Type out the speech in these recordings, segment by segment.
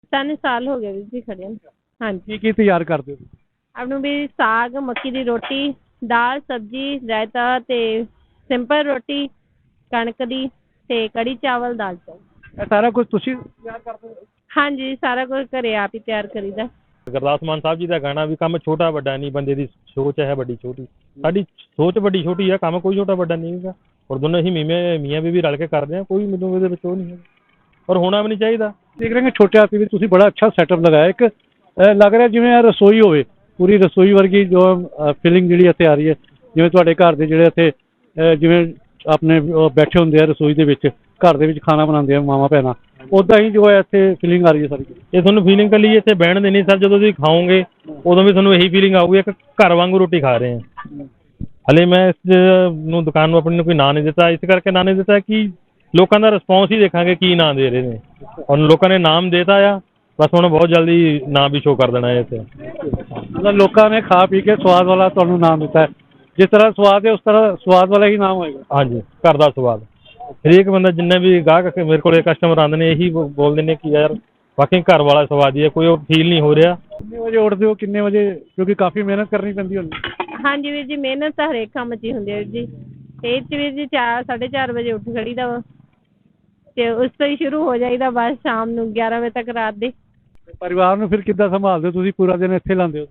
3 ਸਾਲ ਹੋ ਗਏ ਵੀਰ ਜੀ ਖੜ੍ਹਿਆਂ ਨੂੰ। ਹਾਂਜੀ। ਕੀ ਤਿਆਰ ਕਰਦੇ ਹੋ? ਆਪ ਨੂੰ ਵੀ ਸਾਗ, ਮੱਕੀ ਦੀ ਰੋਟੀ, ਦਾਲ, ਸਬਜ਼ੀ, ਰਾਇਤਾ ਅਤੇ ਸਿੰਪਲ ਰੋਟੀ, ਕਣਕ ਦੀ ਅਤੇ ਕੜੀ ਚਾਵਲ, ਦਾਲ ਚਾਵਲ। ਇਹ ਸਾਰਾ ਕੁਝ ਤੁਸੀਂ ਤਿਆਰ ਕਰਦੇ ਹੋ? ਹਾਂਜੀ, ਸਾਰਾ ਕੁਝ ਘਰੇ ਆਪ ਹੀ ਤਿਆਰ ਕਰੀਦਾ। ਗੁਰਦਾਸ ਮਾਨ ਸਾਹਿਬ ਜੀ ਦਾ ਗਾਣਾ ਵੀ ਕੰਮ ਛੋਟਾ ਵੱਡਾ ਨਹੀਂ, ਬੰਦੇ ਦੀ ਸੋਚ ਹੈ ਵੱਡੀ ਛੋਟੀ। ਸਾਡੀ ਸੋਚ ਵੱਡੀ ਛੋਟੀ ਆ, ਕੰਮ ਕੋਈ ਛੋਟਾ ਵੱਡਾ ਨਹੀਂ ਹੈਗਾ। ਔਰ ਦੋਨੋਂ ਅਸੀਂ ਮੀਆਂ ਬੀਵੀ ਰਲ ਕੇ ਕਰਦੇ ਹਾਂ, ਕੋਈ ਮੈਨੂੰ ਇਹਦੇ ਵਿੱਚ ਉਹ ਨਹੀਂ ਹੈਗਾ, ਔਰ ਹੋਣਾ ਵੀ ਨਹੀਂ ਚਾਹੀਦਾ। ਦੇਖ ਰਹੇ ਹਾਂ ਛੋਟੇ ਹਾਥੀ ਵਿੱਚ ਤੁਸੀਂ ਬੜਾ ਅੱਛਾ ਸੈਟਅਪ ਲਗਾਇਆ। ਇੱਕ ਲੱਗ ਰਿਹਾ ਜਿਵੇਂ ਇਹ ਰਸੋਈ ਹੋਵੇ, ਪੂਰੀ ਰਸੋਈ ਵਰਗੀ ਜੋ ਫੀਲਿੰਗ ਜਿਹੜੀ ਇੱਥੇ ਆ ਰਹੀ ਹੈ, ਜਿਵੇਂ ਤੁਹਾਡੇ ਘਰ ਦੇ ਜਿਹੜੇ ਇੱਥੇ ਜਿਵੇਂ ਆਪਣੇ ਬੈਠੇ ਹੁੰਦੇ ਆ ਰਸੋਈ ਦੇ ਵਿੱਚ, ਘਰ ਦੇ ਵਿੱਚ ਖਾਣਾ ਬਣਾਉਂਦੇ ਆ ਮਾਵਾਂ ਭੈਣਾਂ, ਉੱਦਾਂ ਹੀ ਜੋ ਹੈ ਇੱਥੇ ਫੀਲਿੰਗ ਆ ਰਹੀ ਹੈ ਸਾਰੀ। ਇਹ ਤੁਹਾਨੂੰ ਫੀਲਿੰਗ ਕੱਲੀ ਇੱਥੇ ਬਹਿਣ ਦੇ ਨਹੀਂ ਸਰ, ਜਦੋਂ ਤੁਸੀਂ ਖਾਓਗੇ ਉਦੋਂ ਵੀ ਤੁਹਾਨੂੰ ਇਹੀ ਫੀਲਿੰਗ ਆਊਗੀ ਇੱਕ ਘਰ ਵਾਂਗੂ ਰੋਟੀ ਖਾ ਰਹੇ ਹਾਂ। ਹਲੇ ਮੈਂ ਇਸ ਨੂੰ ਦੁਕਾਨ ਨੂੰ ਆਪਣੀ ਨੂੰ ਕੋਈ ਨਾਂ ਨਹੀਂ ਦਿੱਤਾ, ਇਸ ਕਰਕੇ ਨਾਂ ਨਹੀਂ ਦਿੱਤਾ ਕਿ ਲੋਕਾਂ ਦਾ ਰਿਸਪੌਂਸ ਹੀ ਦੇਖਾਂਗੇ ਕੀ ਨਾਂ ਦੇ ਰਹੇ ਨੇ। ਔਰ ਲੋਕਾਂ ਨੇ ਨਾਮ ਦੇਤਾ ਆ, ਬਸ ਹੁਣ ਬਹੁਤ ਜਲਦੀ ਨਾਂ ਵੀ ਸ਼ੋਅ ਕਰ ਦੇਣਾ ਹੈ ਇੱਥੇ। ਮਤਲਬ ਲੋਕਾਂ ਨੇ ਖਾ ਪੀ ਕੇ ਸਵਾਦ ਵਾਲਾ ਤੁਹਾਨੂੰ ਨਾਮ ਦਿੱਤਾ ਹੈ, ਜਿਸ ਤਰ੍ਹਾਂ ਸਵਾਦ ਹੈ ਉਸ ਤਰ੍ਹਾਂ ਸਵਾਦ ਵਾਲਾ ਹੀ ਨਾਮ ਹੋਏਗਾ। ਹਾਂਜੀ, ਘਰ ਦਾ ਸਵਾਦ। ਹਰੇਕ ਬੰਦਾ ਜਿੰਨੇ ਵੀ ਗਾਹਕ ਮੇਰੇ ਕੋਲ ਕਸਟਮਰ ਆਉਂਦੇ ਨੇ ਇਹੀ ਬੋਲਦੇ ਨੇ ਕਿ ਯਾਰ ਬਾਕੀ ਘਰ ਵਾਲਾ ਸਵਾਦ ਹੀ ਹੈ, ਕੋਈ ਉਹ ਫੀਲ ਨਹੀਂ ਹੋ ਰਿਹਾ। ਕਿੰਨੇ ਵਜੇ ਉੱਠਦੇ ਹੋ, ਕਿੰਨੇ ਵਜੇ, ਕਿਉਂਕਿ ਕਾਫੀ ਮਿਹਨਤ ਕਰਨੀ ਪੈਂਦੀ ਹੁੰਦੀ? ਹਾਂਜੀ ਵੀਰ ਜੀ, ਮਿਹਨਤ ਤਾਂ ਹਰੇਕ ਕੰਮ 'ਚ ਹੀ ਹੁੰਦੀ ਹੈ ਵੀਰ ਜੀ। ਅਤੇ ਇਹ 'ਚ ਵੀਰ ਜੀ 4-4:30 ਵਜੇ ਉੱਠ ਖੜੀਦਾ ਵਾ, ਅਤੇ ਉਸ ਤੋਂ ਹੀ ਸ਼ੁਰੂ ਹੋ ਜਾਈਦਾ ਬਸ ਸ਼ਾਮ ਨੂੰ 11 ਵਜੇ ਤੱਕ ਰਾਤ ਦੇ। ਪਰਿਵਾਰ ਨੂੰ ਫਿਰ ਕਿੱਦਾਂ ਸੰਭਾਲਦੇ ਹੋ ਤੁਸੀਂ? ਪੂਰਾ ਦਿਨ ਇੱਥੇ ਲਾਉਂਦੇ ਹੋ?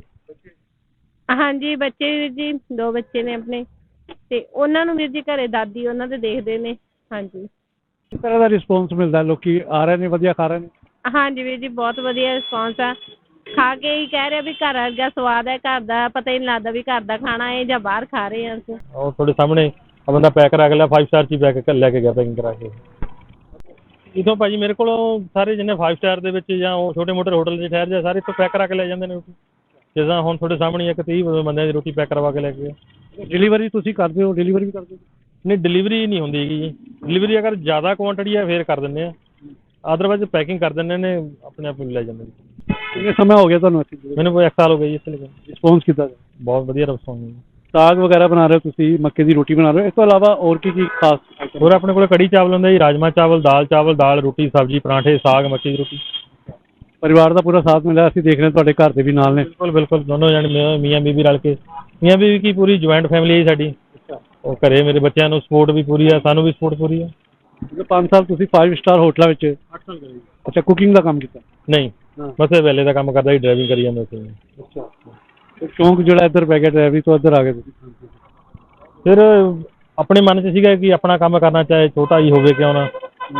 ਹਾਂਜੀ, ਬੱਚੇ ਵੀਰ ਜੀ 2 ਬੱਚੇ ਨੇ ਆਪਣੇ, ਅਤੇ ਉਹਨਾਂ ਨੂੰ ਵੀਰ ਜੀ ਘਰੇ ਦਾਦੀ ਉਹਨਾਂ ਦੇ ਦੇਖਦੇ ਨੇ। ਹਾਂਜੀ। ਕਿਸ ਤਰ੍ਹਾਂ ਦਾ ਰਿਸਪੌਂਸ ਮਿਲਦਾ? ਲੋਕੀ ਆ ਰਹੇ ਨੇ, ਵਧੀਆ ਖਾ ਰਹੇ ਨੇ? ਹਾਂਜੀ ਵੀਰ ਜੀ, ਬਹੁਤ ਵਧੀਆ ਰਿਸਪੌਂਸ ਆ। ਖਾ ਕੇ ਹੀ ਕਹਿ ਰਹੇ ਵੀ ਘਰ ਵਰਗਾ ਸਵਾਦ ਹੈ, ਘਰ ਦਾ ਪਤਾ ਹੀ ਨਹੀਂ ਲੱਗਦਾ ਵੀ ਘਰ ਦਾ ਖਾਣਾ ਹੈ ਜਾਂ ਬਾਹਰ ਖਾ ਰਹੇ ਹਾਂ ਅਸੀਂ। ਉਹ ਤੁਹਾਡੇ ਸਾਹਮਣੇ ਆ ਬੰਦਾ ਪੈਕ ਕਰਾ ਕੇ ਲਿਆ, 5 ਸਟਾਰ 'ਚ ਹੀ ਲੈ ਕੇ ਗਿਆ ਪੈਕਿੰਗ ਕਰਾ ਕੇ। ਇੱਥੋਂ ਭਾਜੀ ਮੇਰੇ ਕੋਲ ਸਾਰੇ ਜਿੰਨੇ 5 ਸਟਾਰ ਦੇ ਵਿੱਚ ਜਾਂ ਉਹ ਛੋਟੇ ਮੋਟੇ ਹੋਟਲ 'ਚ ਠਹਿਰ ਜਾ, ਸਾਰੇ ਇੱਥੋਂ ਪੈਕ ਕਰਾ ਕੇ ਲੈ ਜਾਂਦੇ ਨੇ ਰੋਟੀ। ਜਿੱਦਾਂ ਹੁਣ ਤੁਹਾਡੇ ਸਾਹਮਣੇ ਇੱਕ 30 ਬੰਦਿਆਂ ਦੀ ਰੋਟੀ ਪੈਕ ਕਰਵਾ ਕੇ ਲੈ ਕੇ ਗਏ। ਡਿਲੀਵਰੀ ਤੁਸੀਂ ਕਰਦੇ ਹੋ? ਡਿਲੀਵਰੀ ਵੀ ਕਰਦੇ ਹੋ? ਨਹੀਂ, ਡਿਲੀਵਰੀ ਨਹੀਂ ਹੁੰਦੀ ਹੈਗੀ ਜੀ। ਡਿਲੀਵਰੀ ਅਗਰ ਜ਼ਿਆਦਾ ਕੁਆਂਟੀਟੀ ਹੈ ਫਿਰ ਕਰ ਦਿੰਦੇ ਆ, ਅਦਰਵਾਈਜ਼ ਪੈਕਿੰਗ ਕਰ ਦਿੰਦੇ ਨੇ, ਆਪਣੇ ਆਪ ਨੂੰ ਲੈ ਜਾਂਦੇ ਨੇ। ਕਿੰਨੇ ਸਮਾਂ ਹੋ ਗਿਆ ਤੁਹਾਨੂੰ ਇੱਥੇ? ਮੈਨੂੰ ਕੋਈ 1 ਸਾਲ ਹੋ ਗਿਆ ਜੀ ਇੱਥੇ ਲੱਗੇ। ਰਿਸਪੌਂਸ ਕਿੱਦਾਂ ਦਾ? ਬਹੁਤ ਵਧੀਆ ਰਿਸਪੌਂਸ ਹੈ। ਸਾਗ ਵਗੈਰਾ ਬਣਾ ਰਹੇ ਹੋ ਤੁਸੀਂ, ਮੱਕੇ ਦੀ ਰੋਟੀ ਬਣਾ ਰਹੇ ਹੋ, ਇਸ ਤੋਂ ਇਲਾਵਾ ਹੋਰ ਕੀ ਖਾਸ? ਹੋਰ ਆਪਣੇ ਕੋਲ ਕੜੀ ਚਾਵਲ ਹੁੰਦਾ ਜੀ, ਰਾਜਮਾ ਚਾਵਲ, ਦਾਲ ਰੋਟੀ, ਸਬਜ਼ੀ, ਪਰਾਂਠੇ, ਸਾਗ, ਮੱਕੀ ਦੀ ਰੋਟੀ। ਪਰਿਵਾਰ ਦਾ ਪੂਰਾ ਸਾਥ ਮਿਲਿਆ, ਅਸੀਂ ਦੇਖ ਰਹੇ ਹਾਂ ਤੁਹਾਡੇ ਘਰ ਦੇ ਵੀ ਨਾਲ ਨੇ। ਬਿਲਕੁਲ ਦੋਨੋਂ ਜਣੇ ਮੀਆਂ ਬੀਵੀ ਰਲ ਕੇ। ਮੀਆਂ ਬੀਵੀ ਕੀ ਪੂਰੀ ਜੁਆਇੰਟ ਫੈਮਿਲੀ ਹੈ ਸਾਡੀ। ਉਹ ਘਰੇ ਮੇਰੇ ਬੱਚਿਆਂ ਨੂੰ ਸਪੋਰਟ ਵੀ ਪੂਰੀ ਆ, ਸਾਨੂੰ ਵੀ ਸਪੋਰਟ ਪੂਰੀ ਆ। 5 ਸਾਲ ਤੁਸੀਂ 5 ਸਟਾਰ ਹੋਟਲਾਂ ਵਿੱਚ? 8 ਸਾਲ ਕਰੀ। ਅੱਛਾ, ਕੁਕਿੰਗ ਦਾ ਕੰਮ ਕੀਤਾ? ਨਹੀਂ, ਬਸ ਇਹ ਵੇਲੇ ਦਾ ਕੰਮ ਕਰਦਾ ਸੀ, ਡਰਾਈਵਿੰਗ ਕਰੀ ਜਾਂਦਾ ਸੀ। ਅੱਛਾ, ਸ਼ੌਂਕ ਜਿਹੜਾ ਇੱਧਰ ਪੈ ਗਿਆ ਡਰਾਈਵਿੰਗ ਤੋਂ, ਇੱਧਰ ਆ ਗਏ ਤੁਸੀਂ? ਫਿਰ ਆਪਣੇ ਮਨ 'ਚ ਸੀਗਾ ਕਿ ਆਪਣਾ ਕੰਮ ਕਰਨਾ, ਚਾਹੇ ਛੋਟਾ ਹੀ ਹੋਵੇ ਕਿਉਂ ਨਾ।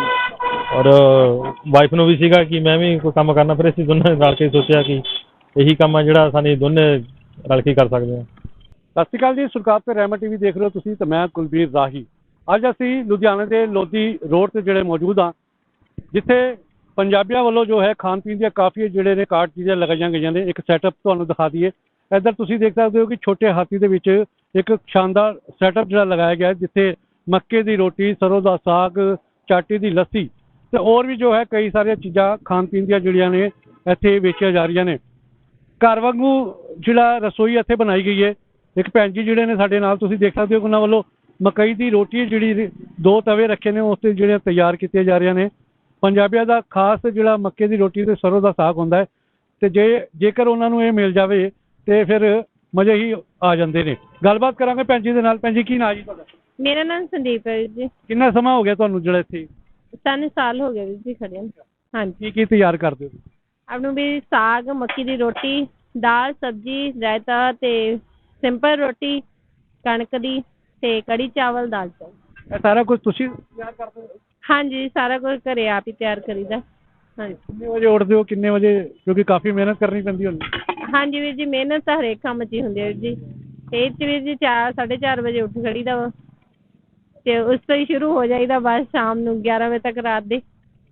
ਔਰ ਵਾਈਫ ਨੂੰ ਵੀ ਸੀਗਾ ਕਿ ਮੈਂ ਵੀ ਕੋਈ ਕੰਮ ਕਰਨਾ, ਫਿਰ ਅਸੀਂ ਦੋਨੇ ਰਲ ਕੇ ਸੋਚਿਆ ਕਿ ਇਹੀ ਕੰਮ ਆ ਜਿਹੜਾ ਸਾਨੂੰ ਦੋਨੇ ਰਲ ਕੇ ਕਰ ਸਕਦੇ ਹਾਂ। ਸਤਿ ਸ਼੍ਰੀ ਅਕਾਲ ਜੀ, ਸੁਰਖਾਬ ਤੇ ਰਹਿਮਤ TV ਦੇਖ ਰਹੇ ਹੋ ਤੁਸੀਂ, ਤੇ ਮੈਂ ਕੁਲਬੀਰ ਰਾਹੀ। ਅੱਜ ਅਸੀਂ ਲੁਧਿਆਣੇ ਦੇ ਲੋਧੀ ਰੋਡ 'ਤੇ ਜਿਹੜੇ ਮੌਜੂਦ ਹਾਂ, ਜਿੱਥੇ ਪੰਜਾਬੀਆਂ ਵੱਲੋਂ ਜੋ ਹੈ ਖਾਣ ਪੀਣ ਦੀਆਂ ਕਾਫੀ ਜਿਹੜੇ ਨੇ ਕਾਰਟ ਚੀਜ਼ਾਂ ਲਗਾਈਆਂ ਗਈਆਂ ਨੇ। ਇੱਕ ਸੈਟਅਪ ਤੁਹਾਨੂੰ ਦਿਖਾ ਦਈਏ। ਇੱਧਰ ਤੁਸੀਂ ਦੇਖ ਸਕਦੇ ਹੋ ਕਿ ਛੋਟੇ ਹਾਥੀ ਦੇ ਵਿੱਚ ਇੱਕ ਸ਼ਾਨਦਾਰ ਸੈਟਅਪ ਜਿਹੜਾ ਲਗਾਇਆ ਗਿਆ, ਜਿੱਥੇ ਮੱਕੇ ਦੀ ਰੋਟੀ, ਸਰੋਂ ਦਾ ਸਾਗ, ਚਾਟੀ ਦੀ ਲੱਸੀ ਤੇ ਹੋਰ ਵੀ ਜੋ ਹੈ ਕਈ ਸਾਰੀਆਂ ਚੀਜ਼ਾਂ ਖਾਣ ਪੀਣ ਦੀਆਂ ਜਿਹੜੀਆਂ ਨੇ ਇੱਥੇ ਵੇਚੀਆਂ ਜਾ ਰਹੀਆਂ ਨੇ। ਘਰ ਵਾਂਗੂ ਜਿਹੜਾ ਰਸੋਈ ਇੱਥੇ ਬਣਾਈ ਗਈ ਹੈ। ਇੱਕ ਭੈਣ ਜੀ ਜਿਹੜੇ ਨੇ ਸਾਡੇ ਨਾਲ, ਤੁਸੀਂ ਦੇਖ ਸਕਦੇ ਹੋ, ਉਹਨਾਂ ਵੱਲੋਂ ਮਕਈ ਦੀ ਰੋਟੀ ਜਿਹੜੀ 2 ਤਵੇ ਰੱਖੇ ਨੇ, ਉਸ 'ਤੇ ਜਿਹੜੀਆਂ ਤਿਆਰ ਕੀਤੀਆਂ ਜਾ ਰਹੀਆਂ ਨੇ। ਪੰਜਾਬੀਆਂ ਦਾ ਖਾਸ ਜਿਹੜਾ ਮੱਕੇ ਦੀ ਰੋਟੀ ਤੇ ਸਰੋਂ ਦਾ ਸਾਗ ਹੁੰਦਾ ਹੈ, ਅਤੇ ਜੇਕਰ ਉਹਨਾਂ ਨੂੰ ਇਹ ਮਿਲ ਜਾਵੇ ਤੇ ਫਿਰ ਮਜ਼ੇ ਹੀ ਆ ਜਾਂਦੇ ਨੇ। ਗੱਲਬਾਤ ਕਰਾਂਗੇ ਭੈਣ ਜੀ ਦੇ ਨਾਲ। ਭੈਣ ਜੀ, ਕੀ ਨਾਂ ਜੀ ਤੁਹਾਡਾ? ਮੇਰਾ ਨਾਮ ਸੰਦੀਪ ਹੈ ਵੀਰ ਜੀ। ਕਿੰਨਾ ਸਮਾਂ ਹੋ ਗਿਆ ਤੁਹਾਨੂੰ ਜਿਹੜਾ ਇੱਥੇ? 3 ਸਾਲ ਹੋ ਗਏ ਵੀਰ ਜੀ ਖੜ੍ਹਿਆਂ ਨੂੰ। ਹਾਂਜੀ। ਕੀ ਤਿਆਰ ਕਰਦੇ ਹੋ? ਆਪ ਨੂੰ ਵੀ ਸਾਗ, ਮੱਕੀ ਦੀ ਰੋਟੀ, ਦਾਲ, ਸਬਜ਼ੀ, ਰਾਇਤਾ ਅਤੇ ਸਿੰਪਲ ਰੋਟੀ, ਕਣਕ ਦੀ ਅਤੇ ਕੜੀ ਚਾਵਲ, ਦਾਲ ਚਾਵਲ। ਇਹ ਸਾਰਾ ਕੁਝ ਤੁਸੀਂ ਤਿਆਰ ਕਰਦੇ ਹੋ? ਹਾਂਜੀ, ਸਾਰਾ ਕੁਝ ਘਰੇ ਆਪ ਹੀ ਤਿਆਰ ਕਰੀਦਾ। ਹਾਂਜੀ। ਕਿੰਨੇ ਵਜੇ ਉੱਠਦੇ ਹੋ, ਕਿੰਨੇ ਵਜੇ, ਕਿਉਂਕਿ ਕਾਫੀ ਮਿਹਨਤ ਕਰਨੀ ਪੈਂਦੀ ਹੁੰਦੀ? ਹਾਂਜੀ ਵੀਰ ਜੀ, ਮਿਹਨਤ ਤਾਂ ਹਰੇਕ ਕੰਮ 'ਚ ਹੀ ਹੁੰਦੀ ਹੈ ਵੀਰ ਜੀ। ਅਤੇ ਇਹ 'ਚ ਵੀਰ ਜੀ 4-4:30 ਵਜੇ ਉੱਠ ਖੜੀਦਾ ਵਾ, ਅਤੇ ਉਸ ਤੋਂ ਹੀ ਸ਼ੁਰੂ ਹੋ ਜਾਈਦਾ ਬਸ ਸ਼ਾਮ ਨੂੰ 11 ਵਜੇ ਤੱਕ ਰਾਤ ਦੇ।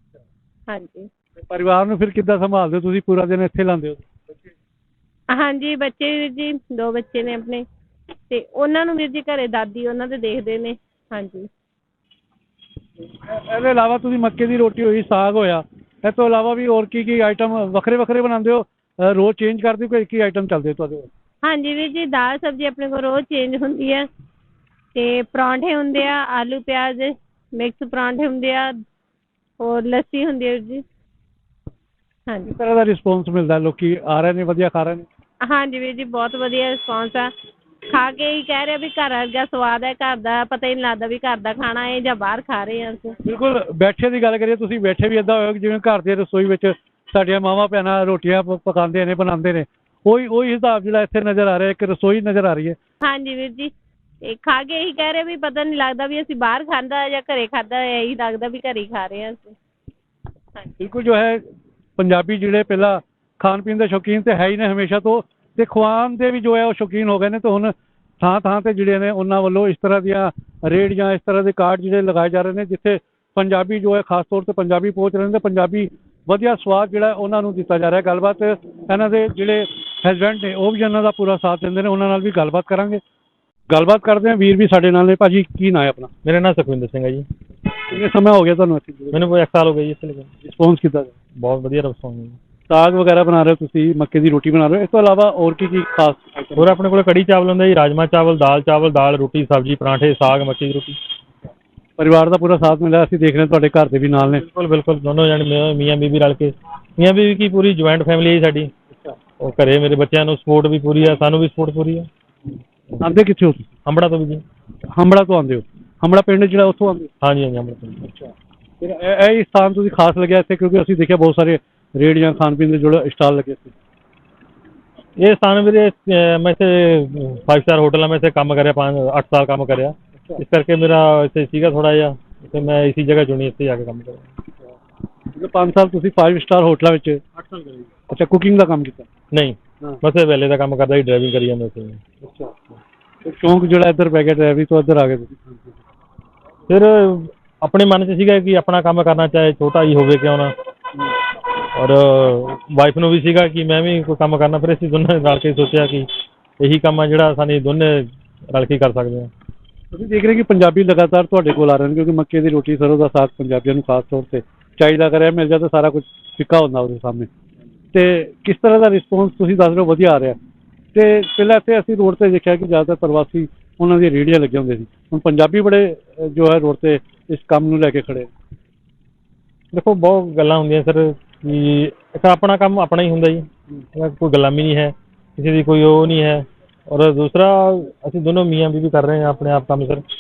ਹਾਂਜੀ। ਪਰਿਵਾਰ ਨੂੰ ਫਿਰ ਕਿੱਦਾਂ ਸੰਭਾਲਦੇ ਹੋ ਤੁਸੀਂ? ਪੂਰਾ ਦਿਨ ਇੱਥੇ ਲਾਉਂਦੇ ਹੋ? ਹਾਂਜੀ, ਬੱਚੇ ਵੀਰ ਜੀ 2 ਬੱਚੇ ਨੇ ਆਪਣੇ, ਅਤੇ ਉਹਨਾਂ ਨੂੰ ਵੀਰ ਜੀ ਘਰੇ ਦਾਦੀ ਉਹਨਾਂ ਦੇ ਦੇਖਦੇ ਨੇ। ਹਾਂਜੀ। ਇਹਦੇ ਇਲਾਵਾ ਤੁਸੀਂ ਮੱਕੇ ਦੀ ਰੋਟੀ ਹੋਈ, ਸਾਗ ਹੋਇਆ, ਇਸ ਤੋਂ ਇਲਾਵਾ ਵੀ ਹੋਰ ਕੀ ਆਈਟਮ ਵੱਖਰੇ ਬਣਾਉਂਦੇ ਹੋ? ਰੋਜ਼ ਚੇਂਜ ਕਰਦੇ ਹੋ? ਕੋਈ ਇੱਕ ਹੀ ਆਈਟਮ ਚੱਲਦੇ ਤੁਹਾਡੇ ਕੋਲ? ਹਾਂਜੀ ਵੀਰ ਜੀ, ਦਾਲ ਸਬਜ਼ੀ ਆਪਣੇ ਕੋਲ ਰੋਜ਼ ਚੇਂਜ ਹੁੰਦੀ ਹੈ, ਅਤੇ ਪਰੌਂਠੇ ਹੁੰਦੇ ਆ, ਆਲੂ ਪਿਆਜ਼ ਮਿਕਸ ਪਰੌਂਠੇ ਹੁੰਦੇ ਆ, ਹੋਰ ਲੱਸੀ ਹੁੰਦੀ ਹੈ ਵੀਰ ਜੀ। ਹਾਂਜੀ ਕਿਸ ਤਰ੍ਹਾਂ ਦਾ ਰਿਸਪੌਂਸ ਮਿਲਦਾ, ਲੋਕੀ ਆ ਰਹੇ ਨੇ, ਵਧੀਆ ਖਾ ਰਹੇ ਨੇ? ਹਾਂਜੀ ਵੀਰ ਜੀ, ਬਹੁਤ ਵਧੀਆ ਰਿਸਪੌਂਸ ਆ। ਖਾ ਕੇ ਹੀ ਕਹਿ ਰਹੇ ਵੀ ਘਰ ਵਰਗਾ ਸਵਾਦ ਹੈ, ਘਰ ਦਾ ਪਤਾ ਹੀ ਨਹੀਂ ਲੱਗਦਾ ਵੀ ਘਰ ਦਾ ਖਾਣਾ ਹੈ ਜਾਂ ਬਾਹਰ ਖਾ ਰਹੇ ਹਾਂ ਅਸੀਂ। ਬਿਲਕੁਲ। ਬੈਠੇ ਦੀ ਗੱਲ ਕਰੀਏ, ਤੁਸੀਂ ਬੈਠੇ ਵੀ ਇੱਦਾਂ ਹੋਏ ਜਿਵੇਂ ਘਰ ਦੀ ਰਸੋਈ ਵਿੱਚ ਸਾਡੀਆਂ ਮਾਵਾਂ ਭੈਣਾਂ ਰੋਟੀਆਂ ਪਕਾਉਂਦੇ ਨੇ, ਬਣਾਉਂਦੇ ਨੇ। ਉਹੀ ਹਿਸਾਬ ਜਿਹੜਾ ਇੱਥੇ ਨਜ਼ਰ ਆ ਰਿਹਾ, ਇੱਕ ਰਸੋਈ ਨਜ਼ਰ ਆ ਰਹੀ ਹੈ। ਹਾਂਜੀ ਵੀਰ ਜੀ, ਇਹ ਖਾ ਕੇ ਇਹੀ ਕਹਿ ਰਹੇ ਵੀ ਪਤਾ ਨਹੀਂ ਲੱਗਦਾ ਵੀ ਅਸੀਂ ਬਾਹਰ ਖਾਂਦਾ ਜਾਂ ਘਰੇ ਖਾਧਾ, ਇਹੀ ਲੱਗਦਾ ਵੀ ਘਰੇ ਹੀ ਖਾ ਰਹੇ ਹਾਂ ਅਸੀਂ। ਹਾਂਜੀ ਬਿਲਕੁਲ। ਜੋ ਹੈ ਪੰਜਾਬੀ ਜਿਹੜੇ ਪਹਿਲਾਂ ਖਾਣ ਪੀਣ ਦੇ ਸ਼ੌਕੀਨ ਤੇ ਹੈ ਹੀ ਨੇ ਹਮੇਸ਼ਾ ਤੋਂ, ਤੇ ਖਵਾਉਣ ਦੇ ਵੀ ਜੋ ਹੈ ਉਹ ਸ਼ੌਕੀਨ ਹੋ ਗਏ ਨੇ। ਤੇ ਹੁਣ ਥਾਂ ਥਾਂ ਤੇ ਜਿਹੜੇ ਨੇ ਉਹਨਾਂ ਵੱਲੋਂ ਇਸ ਤਰ੍ਹਾਂ ਦੀਆਂ ਰੇਹੜੀਆਂ, ਇਸ ਤਰ੍ਹਾਂ ਦੇ ਕਾਰਡ ਜਿਹੜੇ ਲਗਾਏ ਜਾ ਰਹੇ ਨੇ, ਜਿੱਥੇ ਪੰਜਾਬੀ ਜੋ ਹੈ ਖਾਸ ਤੌਰ ਤੇ ਪੰਜਾਬੀ ਪਹੁੰਚ ਰਹੇ ਨੇ ਤੇ ਪੰਜਾਬੀ ਵਧੀਆ ਸਵਾਦ ਜਿਹੜਾ ਉਹਨਾਂ ਨੂੰ ਦਿੱਤਾ ਜਾ ਰਿਹਾ। ਗੱਲਬਾਤ ਇਹਨਾਂ ਦੇ ਜਿਹੜੇ ਹਸਬੈਂਡ ਨੇ ਉਹ ਵੀ ਇਹਨਾਂ ਦਾ ਪੂਰਾ ਸਾਥ ਦਿੰਦੇ ਨੇ, ਉਹਨਾਂ ਨਾਲ ਵੀ ਗੱਲਬਾਤ ਕਰਾਂਗੇ। ਗੱਲਬਾਤ ਕਰਦੇ ਹਾਂ। ਵੀਰ ਵੀ ਸਾਡੇ ਨਾਲ ਨੇ। ਭਾਜੀ ਕੀ ਨਾਂ ਹੈ ਆਪਣਾ? ਮੇਰਾ ਨਾਮ ਸੁਖਵਿੰਦਰ ਸਿੰਘ ਹੈ ਜੀ। ਕਿੰਨੇ ਸਮਾਂ ਹੋ ਗਿਆ ਤੁਹਾਨੂੰ ਇੱਥੇ? ਮੈਨੂੰ ਕੋਈ 1 ਸਾਲ ਹੋ ਗਿਆ ਜੀ ਇੱਥੇ ਲੱਗੇ। ਰਿਸਪੌਂਸ ਕਿੱਦਾਂ ਦਾ? ਬਹੁਤ ਵਧੀਆ ਰਿਸਪੌਂਸ ਹੈ ਜੀ। ਸਾਗ ਵਗੈਰਾ ਬਣਾ ਰਹੇ ਹੋ ਤੁਸੀਂ, ਮੱਕੇ ਦੀ ਰੋਟੀ ਬਣਾ ਰਹੇ ਹੋ, ਇਸ ਤੋਂ ਇਲਾਵਾ ਹੋਰ ਕੀ ਖਾਸ item? ਹੋਰ ਆਪਣੇ ਕੋਲ ਕੜੀ ਚਾਵਲ ਹੁੰਦਾ ਜੀ, ਰਾਜਮਾ ਚਾਵਲ, ਦਾਲ ਰੋਟੀ, ਸਬਜ਼ੀ, ਪਰਾਂਠੇ, ਸਾਗ, ਮੱਕੀ ਦੀ ਰੋਟੀ। ਪਰਿਵਾਰ ਦਾ ਪੂਰਾ ਸਾਥ ਮਿਲਿਆ। ਅਸੀਂ ਦੇਖ ਰਹੇ ਹਾਂ ਤੁਹਾਡੇ ਘਰ ਦੇ ਵੀ ਨਾਲ ਨੇ। ਬਿਲकुल ਦੋਨੋਂ ਜਣੇ ਮੀਆਂ ਬੀਬੀ ਰਲ ਕੇ, ਮੀਆਂ ਬੀਬੀ ਕੀ ਪੂਰੀ ਜੁਆਇੰਟ ਫੈਮਿਲੀ ਹੈ ਸਾਡੀ। ਉਹ ਘਰੇ ਮੇਰੇ ਬੱਚਿਆਂ ਨੂੰ ਸਪੋਰਟ ਵੀ ਪੂਰੀ ਆ, ਸਾਨੂੰ ਵੀ ਸਪੋਰਟ ਪੂਰੀ ਆ। ਆਉਂਦੇ ਕਿੱਥੇ ਹੋ ਤੁਸੀਂ? ਹੰਬੜਾ ਤੋਂ ਵੀ ਜੀ। ਹੰਬੜਾ ਤੋਂ ਆਉਂਦੇ ਹੋ? ਹੰਬੜਾ ਪਿੰਡ ਜਿਹੜਾ ਉੱਥੋਂ ਆਉਂਦੇ ਹੋ? ਹਾਂਜੀ ਹੰਬੜਾ ਤੋਂ। ਅੱਛਾ। ਫਿਰ ਇਹ ਸਥਾਨ ਤੁਸੀਂ ਖਾਸ ਲੱਗਿਆ ਇੱਥੇ ਕਿਉਂਕਿ ਅਸੀਂ ਦੇਖਿਆ ਬਹੁਤ ਸਾਰੇ ਰੇਹੜੀਆਂ, ਖਾਣ ਪੀਣ ਦੇ ਜਿਹੜੇ ਸਟਾਲ ਲੱਗੇ ਸੀ। ਇਹ ਸਥਾਨ ਵੀਰੇ ਮੈਂ ਇੱਥੇ 5 ਸਟਾਰ ਹੋਟਲ ਆ, ਮੈਂ ਇੱਥੇ ਕੰਮ ਕਰਿਆ 8 ਸਾਲ ਕੰਮ ਕਰਿਆ, ਇਸ ਕਰਕੇ ਮੇਰਾ ਇੱਥੇ ਸੀਗਾ ਥੋੜ੍ਹਾ ਜਿਹਾ, ਤੇ ਮੈਂ ਇਸੀ ਜਗ੍ਹਾ ਚੁਣੀ ਇੱਥੇ ਜਾ ਕੇ ਕੰਮ ਕਰਿਆ। 5 ਸਾਲ ਤੁਸੀਂ 5 ਸਟਾਰ ਹੋਟਲਾਂ ਵਿੱਚ? 8 ਸਾਲ ਕਰੇ। ਅੱਛਾ। ਕੁਕਿੰਗ ਦਾ ਕੰਮ ਕੀਤਾ? ਨਹੀਂ, ਬਸ ਇਹ ਵੇਲੇ ਦਾ ਕੰਮ ਕਰਦਾ ਸੀ, ਡਰਾਈਵਿੰਗ ਕਰੀ ਜਾਂਦਾ ਸੀ। ਅੱਛਾ। ਸ਼ੌਂਕ ਜਿਹੜਾ ਇੱਧਰ ਪੈ ਗਿਆ ਡਰਾਈਵਿੰਗ ਤੋਂ, ਇੱਧਰ ਆ ਗਏ ਤੁਸੀਂ? ਫਿਰ ਆਪਣੇ ਮਨ 'ਚ ਸੀਗਾ ਕਿ ਆਪਣਾ ਕੰਮ ਕਰਨਾ, ਚਾਹੇ ਛੋਟਾ ਹੀ ਹੋਵੇ ਕਿਉਂ ਨਾ, ਔਰ ਵਾਈਫ ਨੂੰ ਵੀ ਸੀਗਾ ਕਿ ਮੈਂ ਵੀ ਕੋਈ ਕੰਮ ਕਰਨਾ। ਫਿਰ ਅਸੀਂ ਦੋਨੇ ਰਲ ਕੇ ਸੋਚਿਆ ਕਿ ਇਹੀ ਕੰਮ ਆ ਜਿਹੜਾ ਸਾਨੂੰ ਦੋਨੇ ਰਲ ਕੇ ਕਰ ਸਕਦੇ ਹਾਂ। ਤੁਸੀਂ ਦੇਖ ਰਹੇ ਕਿ ਪੰਜਾਬੀ ਲਗਾਤਾਰ ਤੁਹਾਡੇ ਕੋਲ ਆ ਰਹੇ ਨੇ ਕਿਉਂਕਿ ਮੱਕੇ ਦੀ ਰੋਟੀ, ਸਰੋਂ ਦਾ ਸਾਗ ਪੰਜਾਬੀਆਂ ਨੂੰ ਖਾਸ ਤੌਰ ਤੇ ਚਾਹੀਦਾ। ਕਰਿਆ ਮਿਲ ਜਾਏ ਤਾਂ ਸਾਰਾ ਕੁਝ ਫਿੱਕਾ ਹੁੰਦਾ ਉਹਦੇ ਸਾਹਮਣੇ। ਤੇ ਕਿਸ ਤਰ੍ਹਾਂ ਦਾ ਰਿਸਪੌਂਸ ਤੁਸੀਂ ਦੱਸ ਰਹੇ ਹੋ? ਵਧੀਆ ਆ ਰਿਹਾ। ਤੇ ਪਹਿਲਾਂ ਇੱਥੇ ਅਸੀਂ ਰੋਡ ਤੇ ਦੇਖਿਆ ਕਿ ਜ਼ਿਆਦਾਤਰ ਪ੍ਰਵਾਸੀ ਉਹਨਾਂ ਦੀਆਂ ਰੇਹੜੀਆਂ ਲੱਗੀਆਂ ਹੁੰਦੀਆਂ ਸੀ, ਹੁਣ ਪੰਜਾਬੀ ਬੜੇ ਜੋ ਹੈ ਰੋਡ ਤੇ ਇਸ ਕੰਮ ਨੂੰ ਲੈ ਕੇ ਖੜੇ। ਦੇਖੋ ਬਹੁਤ ਗੱਲਾਂ ਹੁੰਦੀਆਂ ਸਰ ਕਿ ਇੱਕ ਆਪਣਾ ਕੰਮ ਆਪਣਾ ਹੀ ਹੁੰਦਾ ਜੀ, ਕੋਈ ਗੁਲਾਮੀ ਨਹੀਂ ਹੈ, ਕਿਸੇ ਦੀ ਕੋਈ ਉਹ ਨਹੀਂ ਹੈ। ਔਰ ਦੂਸਰਾ ਅਸੀਂ ਦੋਨੋਂ ਮੀਆਂ ਬੀਵੀ ਕਰ ਰਹੇ ਹਾਂ ਆਪਣੇ ਆਪ ਕੰਮ ਸਰ,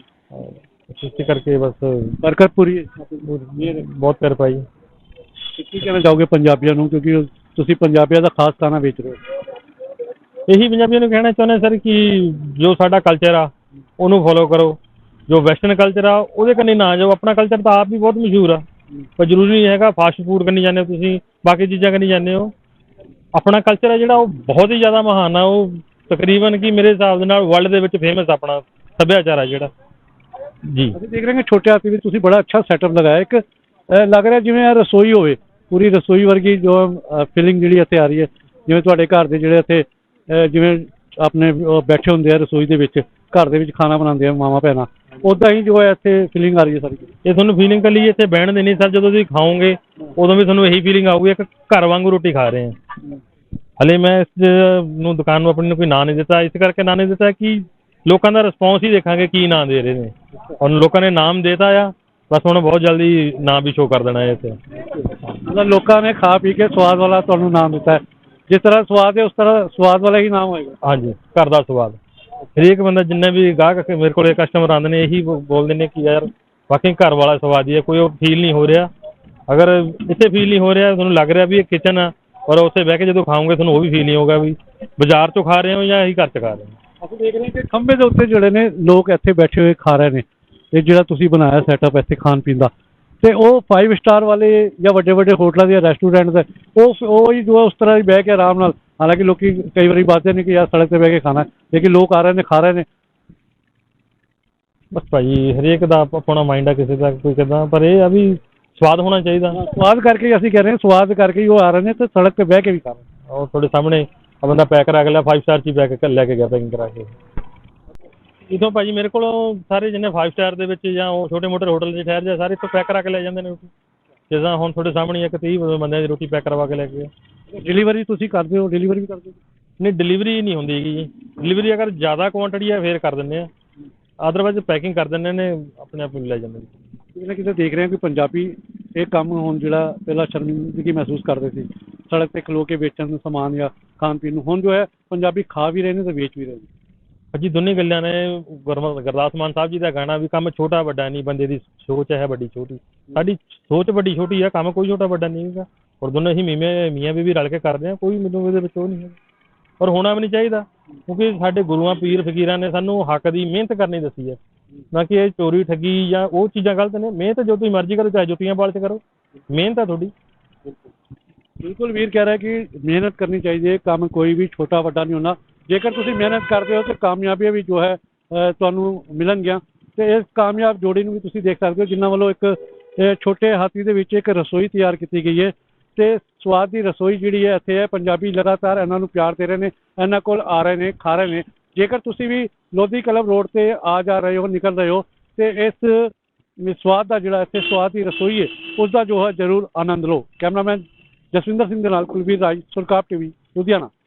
ਇਸ ਕਰਕੇ ਬਸ ਬਰਕਤ ਪੂਰੀ ਬਹੁਤ ਕਿਰਪਾ ਜੀ। ਕੀ ਕਹਿਣਾ ਚਾਹੋਗੇ ਪੰਜਾਬੀਆਂ ਨੂੰ, ਕਿਉਂਕਿ ਤੁਸੀਂ ਪੰਜਾਬੀਆਂ ਦਾ ਖਾਸ ਖਾਣਾ ਵੇਚ ਰਹੇ ਹੋ? ਇਹੀ ਪੰਜਾਬੀਆਂ ਨੂੰ ਕਹਿਣਾ ਚਾਹੁੰਦੇ ਸਰ ਕਿ ਜੋ ਸਾਡਾ ਕਲਚਰ ਆ ਉਹਨੂੰ ਫੋਲੋ ਕਰੋ, ਜੋ ਵੈਸਟਰਨ ਕਲਚਰ ਆ ਉਹਦੇ ਕੰਨੀ ਨਾ ਜਾਓ। ਆਪਣਾ ਕਲਚਰ ਤਾਂ ਆਪ ਵੀ ਬਹੁਤ ਮਸ਼ਹੂਰ ਆ, ਪਰ ਜ਼ਰੂਰੀ ਨਹੀਂ ਹੈਗਾ ਫਾਸਟ ਫੂਡ ਕਰਨੀ ਜਾਂਦੇ ਹੋ ਤੁਸੀਂ, ਬਾਕੀ ਚੀਜ਼ਾਂ ਕਰਨੀ ਜਾਂਦੇ ਹੋ। ਆਪਣਾ ਕਲਚਰ ਹੈ ਜਿਹੜਾ ਉਹ ਬਹੁਤ ਹੀ ਜ਼ਿਆਦਾ ਮਹਾਨ ਆ, ਉਹ ਤਕਰੀਬਨ ਕਿ ਮੇਰੇ ਹਿਸਾਬ ਦੇ ਨਾਲ ਵਰਲਡ ਦੇ ਵਿੱਚ ਫੇਮਸ ਆਪਣਾ ਸੱਭਿਆਚਾਰ ਆ ਜਿਹੜਾ ਜੀ। ਅਸੀਂ ਦੇਖ ਰਹੇ ਹਾਂ ਛੋਟੇ ਹਾਥੀ ਵਿੱਚ ਤੁਸੀਂ ਬੜਾ ਅੱਛਾ ਸੈਟਅਪ ਲਗਾਇਆ, ਇੱਕ ਲੱਗ ਰਿਹਾ ਜਿਵੇਂ ਇਹ ਰਸੋਈ ਹੋਵੇ, ਪੂਰੀ ਰਸੋਈ ਵਰਗੀ ਜੋ ਫੀਲਿੰਗ ਜਿਹੜੀ ਇੱਥੇ ਆ ਰਹੀ ਹੈ, ਜਿਵੇਂ ਤੁਹਾਡੇ ਘਰ ਦੇ ਜਿਹੜੇ ਇੱਥੇ ਜਿਵੇਂ ਆਪਣੇ ਬੈਠੇ ਹੁੰਦੇ ਆ ਰਸੋਈ ਦੇ ਵਿੱਚ, ਘਰ ਦੇ ਵਿੱਚ ਖਾਣਾ ਬਣਾਉਂਦੇ ਆ ਮਾਵਾਂ ਭੈਣਾਂ, ਉੱਦਾਂ ਹੀ ਜੋ ਹੈ ਇੱਥੇ ਫੀਲਿੰਗ ਆ ਰਹੀ ਹੈ ਸਾਰੀ। ਇਹ ਤੁਹਾਨੂੰ ਫੀਲਿੰਗ ਕੱਲੀ ਇੱਥੇ ਬਹਿਣ ਦੀ ਨਹੀਂ ਸਰ, ਜਦੋਂ ਤੁਸੀਂ ਖਾਓਗੇ ਉਦੋਂ ਵੀ ਤੁਹਾਨੂੰ ਇਹੀ ਫੀਲਿੰਗ ਆਊਗੀ ਇੱਕ ਘਰ ਵਾਂਗੂ ਰੋਟੀ ਖਾ ਰਹੇ ਹਾਂ। ਹਲੇ ਮੈਂ ਇਸ ਨੂੰ ਦੁਕਾਨ ਨੂੰ ਆਪਣੀ ਨੂੰ ਕੋਈ ਨਾਂ ਨਹੀਂ ਦਿੱਤਾ, ਇਸ ਕਰਕੇ ਨਾਂ ਨਹੀਂ ਦਿੱਤਾ ਕਿ ਲੋਕਾਂ ਦਾ ਰਿਸਪੌਂਸ ਹੀ ਦੇਖਾਂਗੇ ਕੀ ਨਾਂ ਦੇ ਰਹੇ ਨੇ। ਹੁਣ ਲੋਕਾਂ ਨੇ ਨਾਮ ਦੇਤਾ ਆ, ਬਸ ਹੁਣ ਬਹੁਤ ਜਲਦੀ ਨਾਂ ਵੀ ਸ਼ੋਅ ਕਰ ਦੇਣਾ ਹੈ ਇੱਥੇ। ਮਤਲਬ ਲੋਕਾਂ ਨੇ ਖਾ ਪੀ ਕੇ ਸਵਾਦ ਵਾਲਾ ਤੁਹਾਨੂੰ ਨਾਮ ਦਿੱਤਾ ਹੈ, ਜਿਸ ਤਰ੍ਹਾਂ ਸਵਾਦ ਹੈ ਉਸ ਤਰ੍ਹਾਂ ਸਵਾਦ ਵਾਲਾ ਹੀ ਨਾਮ ਹੋਏਗਾ। ਹਾਂਜੀ, ਘਰ ਦਾ ਸਵਾਦ। ਹਰੇਕ ਬੰਦਾ ਜਿੰਨੇ ਵੀ ਗਾਹਕ ਮੇਰੇ ਕੋਲ ਕਸਟਮਰ ਆਉਂਦੇ ਨੇ ਇਹੀ ਬੋਲਦੇ ਨੇ ਕਿ ਯਾਰ ਵਾਕਈ ਘਰ ਵਾਲਾ ਸਵਾਦ ਹੀ ਹੈ, ਕੋਈ ਉਹ ਫੀਲ ਨਹੀਂ ਹੋ ਰਿਹਾ। ਅਗਰ ਇੱਥੇ ਫੀਲ ਨਹੀਂ ਹੋ ਰਿਹਾ, ਤੁਹਾਨੂੰ ਲੱਗ ਰਿਹਾ ਵੀ ਇਹ ਕਿਚਨ ਆ, ਔਰ ਉੱਥੇ ਬਹਿ ਕੇ ਜਦੋਂ ਖਾਓਗੇ ਤੁਹਾਨੂੰ ਉਹ ਵੀ ਫੀਲ ਨਹੀਂ ਹੋਊਗਾ ਵੀ ਬਾਜ਼ਾਰ 'ਚੋਂ ਖਾ ਰਹੇ ਹੋ ਜਾਂ ਅਸੀਂ ਘਰ 'ਚ ਖਾ ਰਹੇ ਹਾਂ। ਅਸੀਂ ਦੇਖ ਰਹੇ ਹਾਂ ਕਿ ਖੰਭੇ ਦੇ ਉੱਤੇ ਜਿਹੜੇ ਨੇ ਲੋਕ ਇੱਥੇ ਬੈਠੇ ਹੋਏ ਖਾ ਰਹੇ ਨੇ, ਇਹ ਜਿਹੜਾ ਤੁਸੀਂ ਬਣਾਇਆ ਸੈਟਅਪ ਇੱਥੇ ਖਾਣ ਪੀਣ ਦਾ, ਤੇ ਉਹ 5 ਸਟਾਰ ਵਾਲੇ ਜਾਂ ਵੱਡੇ ਵੱਡੇ ਹੋਟਲਾਂ ਦੇ ਰੈਸਟੋਰੈਂਟ ਦਾ ਉਹ ਹੀ ਜੋ ਉਸ ਤਰ੍ਹਾਂ ਹੀ ਬਹਿ ਕੇ ਆਰਾਮ ਨਾਲ, ਹਾਲਾਂਕਿ ਲੋਕੀ ਕਈ ਵਾਰੀ ਬਾਤੇ ਨੇ ਕਿ ਯਾਰ ਸੜਕ 'ਤੇ ਬਹਿ ਕੇ ਖਾਣਾ, ਲੇਕਿਨ ਲੋਕ ਆ ਰਹੇ ਨੇ, ਖਾ ਰਹੇ ਨੇ। ਬਸ ਭਾਜੀ ਹਰੇਕ ਦਾ ਆਪਣਾ ਮਾਈਂਡ ਆ, ਕਿਸੇ ਦਾ ਕੋਈ ਕਿੱਦਾਂ, ਪਰ ਇਹ ਆ ਵੀ ਸਵਾਦ ਹੋਣਾ ਚਾਹੀਦਾ। ਸਵਾਦ ਕਰਕੇ ਅਸੀਂ ਕਹਿ ਰਹੇ ਹਾਂ, ਸਵਾਦ ਕਰਕੇ ਹੀ ਉਹ ਆ ਰਹੇ ਨੇ ਤੇ ਸੜਕ 'ਤੇ ਬਹਿ ਕੇ ਵੀ ਖਾ ਰਹੇ। ਉਹ ਤੁਹਾਡੇ ਸਾਹਮਣੇ ਆ ਬੰਦਾ ਪੈਕ ਕਰਾ ਕੇ ਲਿਆ 5 ਸਟਾਰ 'ਚ ਹੀ ਪੈਕ ਲੈ ਕੇ ਗਿਆ ਪੈਕਿੰਗ ਕਰਾ ਕੇ। ਇੱਥੋਂ ਭਾਜੀ ਮੇਰੇ ਕੋਲੋਂ ਸਾਰੇ ਜਿੰਨੇ 5 ਸਟਾਰ ਦੇ ਵਿੱਚ ਜਾਂ ਉਹ ਛੋਟੇ ਮੋਟੇ ਹੋਟਲ 'ਚ ਠਹਿਰ ਜਾ, ਸਾਰੇ ਇੱਥੋਂ ਪੈਕ ਕਰਾ ਕੇ ਲੈ ਜਾਂਦੇ ਨੇ ਰੋਟੀ। ਜਿੱਦਾਂ ਹੁਣ ਤੁਹਾਡੇ ਸਾਹਮਣੇ ਇੱਕ 30 ਬੰਦਿਆਂ ਦੀ ਰੋਟੀ ਪੈਕ ਕਰਵਾ ਕੇ ਲੈ ਕੇ ਗਏ। ਡਿਲੀਵਰੀ ਤੁਸੀਂ ਕਰਦੇ ਹੋ? ਡਿਲੀਵਰੀ ਵੀ ਕਰਦੇ ਹੋ? ਨਹੀਂ, ਡਿਲੀਵਰੀ ਨਹੀਂ ਹੁੰਦੀ ਹੈਗੀ ਜੀ। ਡਿਲੀਵਰੀ ਅਗਰ ਜ਼ਿਆਦਾ ਕੁਆਂਟੀਟੀ ਹੈ ਫਿਰ ਕਰ ਦਿੰਦੇ ਆ, ਅਦਰਵਾਈਜ਼ ਪੈਕਿੰਗ ਕਰ ਦਿੰਦੇ ਨੇ, ਆਪਣੇ ਆਪ ਨੂੰ ਲੈ ਜਾਂਦੇ ਨੇ। ਕਿਤੇ ਨਾ ਕਿਤੇ ਦੇਖ ਰਹੇ ਹਾਂ ਕਿ ਪੰਜਾਬੀ ਇਹ ਕੰਮ ਹੁਣ ਜਿਹੜਾ ਪਹਿਲਾਂ ਸ਼ਰਮਿੰਦਗੀ ਮਹਿਸੂਸ ਕਰਦੇ ਸੀ ਸੜਕ ਤੇ ਖਲੋ ਕੇ ਵੇਚਣ ਨੂੰ ਸਮਾਨ ਜਾਂ ਖਾਣ ਪੀਣ ਨੂੰ, ਹੁਣ ਜੋ ਹੈ ਪੰਜਾਬੀ ਖਾ ਵੀ ਰਹੇ ਨੇ ਤੇ ਵੇਚ ਵੀ ਰਹੇ ਨੇ। ਭਾਜੀ ਦੋਨੇ ਗੱਲਾਂ ਨੇ। ਗੁਰਦਾਸ ਮਾਨ ਸਾਹਿਬ ਜੀ ਦਾ ਗਾਣਾ ਵੀ ਕੰਮ ਛੋਟਾ ਵੱਡਾ ਨਹੀਂ, ਬੰਦੇ ਦੀ ਸੋਚ ਹੈ ਵੱਡੀ ਛੋਟੀ। ਸਾਡੀ ਸੋਚ ਵੱਡੀ ਛੋਟੀ ਹੈ, ਕੰਮ ਕੋਈ ਛੋਟਾ ਵੱਡਾ ਨਹੀਂ ਹੈਗਾ। ਔਰ ਦੋਨੋਂ ਅਸੀਂ ਮੀਆਂ ਬੀਵੀ ਰਲ ਕੇ ਕਰਦੇ ਹਾਂ, ਕੋਈ ਮੈਨੂੰ ਇਹਦੇ ਵਿੱਚ ਉਹ ਨਹੀਂ ਹੈ। ਔਰ ਹੋਣਾ ਵੀ ਨਹੀਂ ਚਾਹੀਦਾ, ਕਿਉਂਕਿ ਸਾਡੇ ਗੁਰੂਆਂ ਪੀਰ ਫਕੀਰਾਂ ਨੇ ਸਾਨੂੰ ਹੱਕ ਦੀ ਮਿਹਨਤ ਕਰਨੀ ਦੱਸੀ ਹੈ, ਨਾ ਕਿ ਇਹ ਚੋਰੀ ਠੱਗੀ ਜਾਂ ਉਹ ਚੀਜ਼ਾਂ ਗਲਤ ਨੇ। ਮਿਹਨਤ ਜੋ ਤੁਸੀਂ ਮਰਜ਼ੀ ਕਰੋ, ਚਾਹੇ ਜੁੱਤੀਆਂ ਪਾਲ 'ਚ ਕਰੋ, ਮਿਹਨਤ ਹੈ ਤੁਹਾਡੀ। ਬਿਲਕੁਲ ਵੀਰ ਕਹਿ ਰਿਹਾ ਕਿ ਮਿਹਨਤ ਕਰਨੀ ਚਾਹੀਦੀ ਹੈ, ਕੰਮ ਕੋਈ ਵੀ ਛੋਟਾ ਵੱਡਾ ਨਹੀਂ ਹੁੰਦਾ। ਜੇਕਰ ਤੁਸੀਂ ਮਿਹਨਤ ਕਰਦੇ ਹੋ ਤਾਂ ਕਾਮਯਾਬੀਆਂ ਵੀ ਜੋ ਹੈ ਤੁਹਾਨੂੰ ਮਿਲਣਗੀਆਂ। ਤੇ ਇਸ ਕਾਮਯਾਬ ਜੋੜੀ ਨੂੰ ਵੀ ਤੁਸੀਂ ਦੇਖ ਸਕਦੇ ਹੋ, ਜਿਨ੍ਹਾਂ ਵੱਲੋਂ ਇੱਕ ਛੋਟੇ ਹਾਥੀ ਦੇ ਵਿੱਚ ਇੱਕ ਰਸੋਈ ਤਿਆਰ ਕੀਤੀ ਗਈ ਹੈ। ਤੇ ਸਵਾਦ ਦੀ ਰਸੋਈ ਜਿਹੜੀ ਹੈ ਇੱਥੇ ਹੈ। ਪੰਜਾਬੀ ਲਗਾਤਾਰ ਇਹਨਾਂ ਨੂੰ ਪਿਆਰ ਦੇ ਰਹੇ ਨੇ, ਇਹਨਾਂ ਕੋਲ ਆ ਰਹੇ ਨੇ, ਖਾ ਰਹੇ ਨੇ। ਜੇਕਰ ਤੁਸੀਂ ਵੀ ਲੋਧੀ ਕਲੱਬ ਰੋਡ ਤੇ ਆ ਜਾ ਰਹੇ ਹੋ, ਨਿਕਲ ਰਹੇ ਹੋ, ਤੇ ਇਸ ਸਵਾਦ ਦਾ ਜਿਹੜਾ ਇੱਥੇ ਸਵਾਦ ਦੀ ਰਸੋਈ ਹੈ ਉਸ ਦਾ ਜੋ ਹੈ ਜ਼ਰੂਰ ਆਨੰਦ ਲਓ। ਕੈਮਰਾਮੈਨ ਜਸਵਿੰਦਰ ਸਿੰਘ ਦੇ ਨਾਲ ਕੁਲਵੀਰ ਰਾਜ, ਸੁਰਖਾਬ ਟੀਵੀ, ਲੁਧਿਆਣਾ।